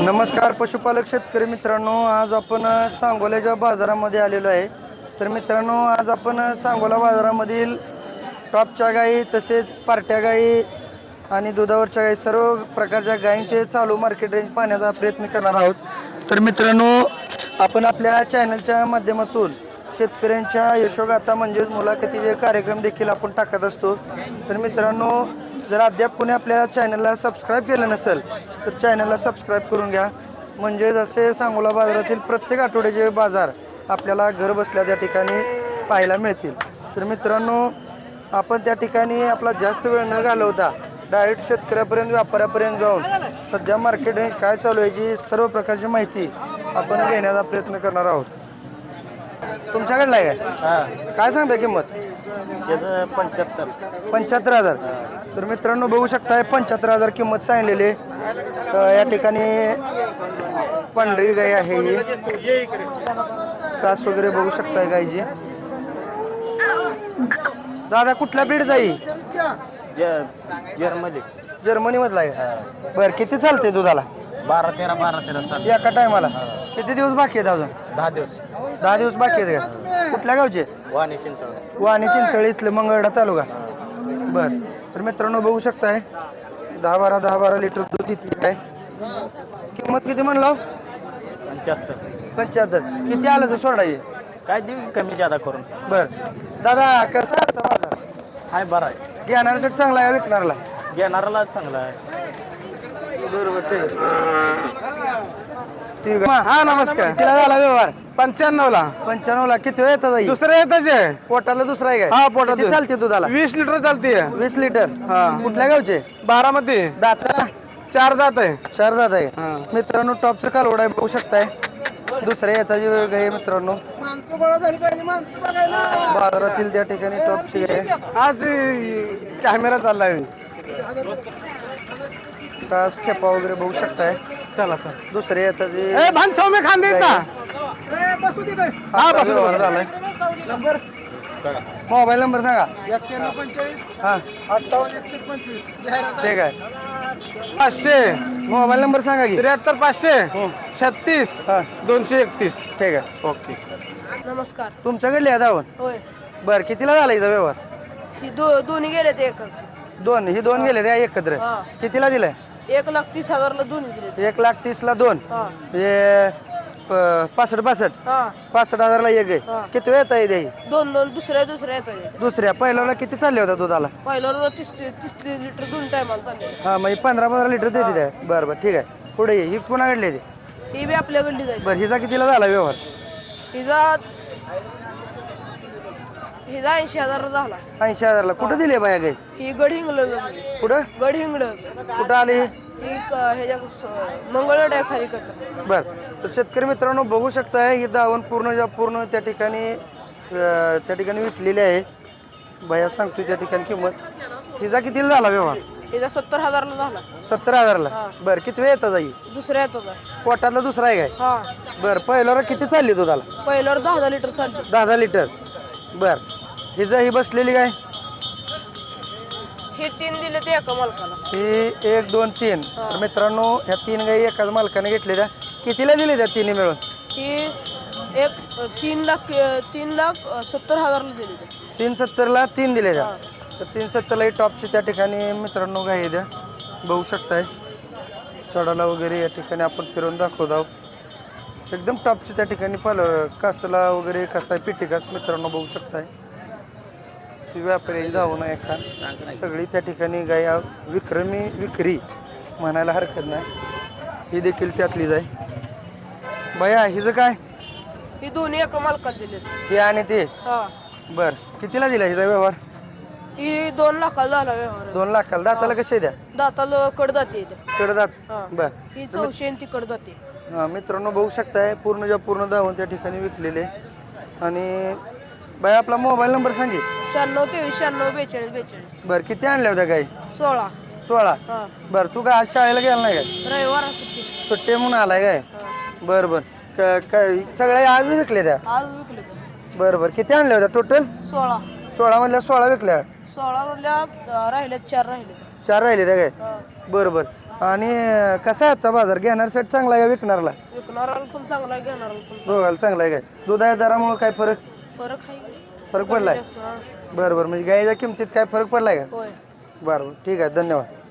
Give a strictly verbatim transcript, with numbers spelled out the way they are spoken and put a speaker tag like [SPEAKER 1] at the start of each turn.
[SPEAKER 1] नमस्कार पशुपालक शेतकरी मित्रांनो, आज आपण सांगोल्याच्या बाजारामध्ये आलेलो आहे. तर मित्रांनो, आज आपण सांगोला बाजारामधील टॉपच्या गायी तसेच पार्ट्या गायी आणि दुधावरच्या गायी सर्व प्रकारच्या गायींचे चालू मार्केट रेंज पाहण्याचा प्रयत्न करणार आहोत. तर मित्रांनो, आपण आपल्या चॅनलच्या माध्यमातून शेतकऱ्यांच्या यशोगाथा म्हणजेच मुलाखतीचे कार्यक्रम देखील आपण टाकत असतो. तर मित्रांनो, जर अद्याप कोणी आपल्या चॅनलला सबस्क्राईब केलं नसेल तर चॅनलला सबस्क्राईब करून घ्या. म्हणजे जसे सांगोला बाजारातील प्रत्येक आठवड्याचे बाजार आपल्याला घर बसल्या त्या ठिकाणी पाहायला मिळतील. तर मित्रांनो, आपण त्या ठिकाणी आपला जास्त वेळ न घालवता डायरेक्ट शेतकऱ्यापर्यंत व्यापाऱ्यापर्यंत जाऊन सध्या मार्केट रेंज काय चालू आहे याची सर्व प्रकारची माहिती आपण घेण्याचा प्रयत्न करणार आहोत. तुमच्याकडला आहे काय? काय सांगता किंमत?
[SPEAKER 2] पंच्याहत्तर
[SPEAKER 1] पंच्याहत्तर हजार. तर मित्रांनो, बघू शकताय पंच्याहत्तर हजार किंमत सांगलेली आहे. या ठिकाणी पांढरी गाय आहे, ही कास वगैरे बघू शकताय गायची. दादा कुठल्या ब्रीड जाई?
[SPEAKER 2] जर्मनी
[SPEAKER 1] जर्मनी मधला आहे. बर, किती चालते दुधाला?
[SPEAKER 2] बारा तेरा बारा तेरा चालू
[SPEAKER 1] एका टायमाला. किती दिवस बाकी आहेत अजून?
[SPEAKER 2] दहा दिवस
[SPEAKER 1] दहा दिवस बाकी आहेत का? कुठल्या गावचे?
[SPEAKER 2] वाणी चिंचवड
[SPEAKER 1] वाणी चिंचळी इथले मंगळडा तालुका. बर, तर मित्रांनो बघू शकताय दहा बारा दहा बारा लिटर दूध इथली आहे. किंमत किती म्हणलो?
[SPEAKER 2] पंच्याहत्तर.
[SPEAKER 1] पंच्याहत्तर. किती आलं तर सोडा ये?
[SPEAKER 2] काय देऊ कमी जादा करून?
[SPEAKER 1] बर दादा, कसा आहे बाजार?
[SPEAKER 2] हाय बरा आहे.
[SPEAKER 1] घेणाऱ्यासाठी चांगला आहे, विकणारला?
[SPEAKER 2] घेणाराला चांगला आहे.
[SPEAKER 1] बरोबर, ठीक आहे. ठीक आहे. हा नमस्कार. कितीला झाला व्यवहार?
[SPEAKER 3] पंच्याण्णव ला.
[SPEAKER 1] पंच्याण्णव ला. किती वेळ येतात?
[SPEAKER 3] दुसरं येतच आहे.
[SPEAKER 1] पोटाला दुसरा आहे
[SPEAKER 3] हा,
[SPEAKER 1] काय?
[SPEAKER 3] पोटात
[SPEAKER 1] किती चालते दुधाला?
[SPEAKER 3] वीस लिटर चालते.
[SPEAKER 1] वीस लिटर.
[SPEAKER 3] हा.
[SPEAKER 1] कुठल्या गावचे?
[SPEAKER 3] बारामती.
[SPEAKER 1] दाता
[SPEAKER 3] चार जात आहे.
[SPEAKER 1] चार दात आहे.
[SPEAKER 3] हा.
[SPEAKER 1] मित्रांनो, टॉपचं कालवड आहे, बघू शकताय. दुसऱ्या येताची गाय मित्रांनो, बाजारातील त्या ठिकाणी टॉपची गाय.
[SPEAKER 3] आज कॅमेरा चाललाय.
[SPEAKER 1] कास खेपा वगैरे बघू शकताय.
[SPEAKER 3] चला चला.
[SPEAKER 1] दुसऱ्या येताची
[SPEAKER 3] ए भान सौम्य खान देत ना. हा, बसू दे, बसू दे.
[SPEAKER 1] झालाय. मोबाईल नंबर सांगा. हा, ठीक आहे.
[SPEAKER 3] पाचशे
[SPEAKER 1] मोबाईल नंबर सांगा की.
[SPEAKER 3] त्र्याहत्तर पाचशे छत्तीस
[SPEAKER 1] हा,
[SPEAKER 3] दोनशे एकतीस.
[SPEAKER 1] ठीक आहे.
[SPEAKER 3] ओके.
[SPEAKER 4] नमस्कार.
[SPEAKER 1] तुमच्याकडली आहे धावून?
[SPEAKER 4] होय.
[SPEAKER 1] बर, कितीला झाला इथं व्यवहार?
[SPEAKER 4] ही दो दोन्ही गेले ते एक
[SPEAKER 1] दोन. ही दोन गेले त्या एकत्र.
[SPEAKER 4] हा.
[SPEAKER 1] कितीला दिलाय?
[SPEAKER 4] एक लाख तीस हजारला दोन्ही दिले.
[SPEAKER 1] एक लाख तीस ला दोन.
[SPEAKER 4] हा
[SPEAKER 1] म्हणजे प- पासष्ट पासष्ट
[SPEAKER 4] हा
[SPEAKER 1] पासष्ट हजारला एक आहे.
[SPEAKER 4] हा.
[SPEAKER 1] किती वेळ येता येते?
[SPEAKER 4] दोन दोन दुसऱ्या दुसऱ्या येतात.
[SPEAKER 1] दुसऱ्या पहिल्याला किती चालले होता दुधाला?
[SPEAKER 4] पहिल्यावर तीस तीस लिटर दोन टायमाला चालले.
[SPEAKER 1] हा, म्हणजे पंधरा पंधरा लिटर देते त्या. बरं बरं, ठीक आहे. पुढे ये. ही पुन्हा घडली ती.
[SPEAKER 4] ही बी आपल्याकडली जाईल.
[SPEAKER 1] बरं, हिचा कितीला झाला व्यवहार?
[SPEAKER 4] हिचा हिचा ऐंशी हजार झाला.
[SPEAKER 1] ऐंशी हजारला. कुठं दिली बाया गाय?
[SPEAKER 4] ही गड हिंगळ
[SPEAKER 1] कुठं
[SPEAKER 4] गड हिंगळ
[SPEAKER 1] कुठं आली?
[SPEAKER 4] ही क- ह्याच्या मंगळवाड्या खाली करतात.
[SPEAKER 1] बर, तर शेतकरी मित्रांनो बघू शकताय, ही दावण पूर्ण ज्या पूर्ण त्या ठिकाणी अं, त्या ठिकाणी विकलेली आहे. भैया सांगतोय त्या ठिकाणी किंमत. हिचा कितीला झाला व्यवहार?
[SPEAKER 4] हिचा सत्तर हजारला झाला.
[SPEAKER 1] सत्तर हजारला.
[SPEAKER 4] हा.
[SPEAKER 1] बरं, किती वेळ येतात जाई?
[SPEAKER 4] दुसऱ्या येतो
[SPEAKER 1] पोटातला दुसरा आहे काय?
[SPEAKER 4] हा.
[SPEAKER 1] बरं, पहिल्यावर किती चालली दुधाला?
[SPEAKER 4] पहिल्यावर दहा दहा लिटर चालते.
[SPEAKER 1] दहा दहा लिटर. बर, हिचं ही बसलेली काय?
[SPEAKER 4] हे तीन दिले ते एका मालकाला.
[SPEAKER 1] ही एक दोन तीन.
[SPEAKER 4] हा.
[SPEAKER 1] तर मित्रांनो, ह्या तीन गाई एकाच मालकाने घेतलेल्या. कितीला दिली त्या तिन्ही मिळून?
[SPEAKER 4] ही एक तीन लाख तीन लाख सत्तर हजारला दिली ते.
[SPEAKER 1] तीन सत्तरला तीन दिले त्या.
[SPEAKER 4] हा.
[SPEAKER 1] तर तीन सत्तरला ही टॉपची त्या ठिकाणी मित्रांनो गाई द्या, बघू शकताय. सडाला वगैरे या ठिकाणी आपण फिरून दाखवत आहोत. एकदम टॉपची त्या ठिकाणी पाल कासला वगैरे कसा आहे पिटी कास मित्रांनो बघू शकताय. ती व्यापारी जाऊ नये का सगळी त्या ठिकाणी गाय विक्रमी विक्री म्हणायला हरकत नाही. ही देखील त्यातलीच आहे. बया, हिचं काय?
[SPEAKER 4] ही दोन्ही एका मालकाला दिले.
[SPEAKER 1] हे आणि ते.
[SPEAKER 4] हा.
[SPEAKER 1] बर, कितीला दिला हिचा व्यवहार?
[SPEAKER 4] ही दोन लाखाला झाला व्यवहार.
[SPEAKER 1] दोन लाखाला. दाताला कसे द्या?
[SPEAKER 4] दाताला कडदाती येते.
[SPEAKER 1] कडदात.
[SPEAKER 4] हा.
[SPEAKER 1] बर,
[SPEAKER 4] ही चौशे आणि ती कडदाती.
[SPEAKER 1] हा मित्रांनो बघू शकताय, पूर्ण ज्या पूर्ण धावून त्या ठिकाणी विकलेले. आणि बाई, आपला मोबाईल नंबर सांगे.
[SPEAKER 4] शहाण्णव तेवीस शहाण्णव बेचाळीस बेचाळीस.
[SPEAKER 1] बर, किती आणल्या होत्या गाई?
[SPEAKER 4] सोळा.
[SPEAKER 1] सोळा.
[SPEAKER 4] हा.
[SPEAKER 1] बर, तू काय आज शाळेला गेला नाही काय?
[SPEAKER 4] रविवार सुट्टी.
[SPEAKER 1] सुट्टी म्हणून आलाय काय?
[SPEAKER 4] हा.
[SPEAKER 1] बर बर. क- काय सगळ्या आज विकले त्या?
[SPEAKER 4] आज विकले ते.
[SPEAKER 1] बर बर, किती आणल्या होत्या टोटल?
[SPEAKER 4] सोळा.
[SPEAKER 1] सोळा मधल्या सोळा विकल्या.
[SPEAKER 4] सोळा मधल्या अं, राहिल्यात चार राहिले.
[SPEAKER 1] चार राहिले त्या काय?
[SPEAKER 4] हा.
[SPEAKER 1] बर बर. आणि अं, कसा आहे आजचा बाजार घेणाऱ्यासाठी चांगला आहे का विकणारला
[SPEAKER 4] विकणाराला पण चांगला आहे घेणाराला पण
[SPEAKER 1] दोघाला चांगला आहे काय दुधाच्या दरामुळे काय फरक
[SPEAKER 4] फरक आहे
[SPEAKER 1] फरक पडलाय
[SPEAKER 4] जास्त, हा.
[SPEAKER 1] बरं बरं म्हणजे गायच्या किमतीत काय फरक पडलाय का
[SPEAKER 4] होय
[SPEAKER 1] बरं बरं ठीक आहे धन्यवाद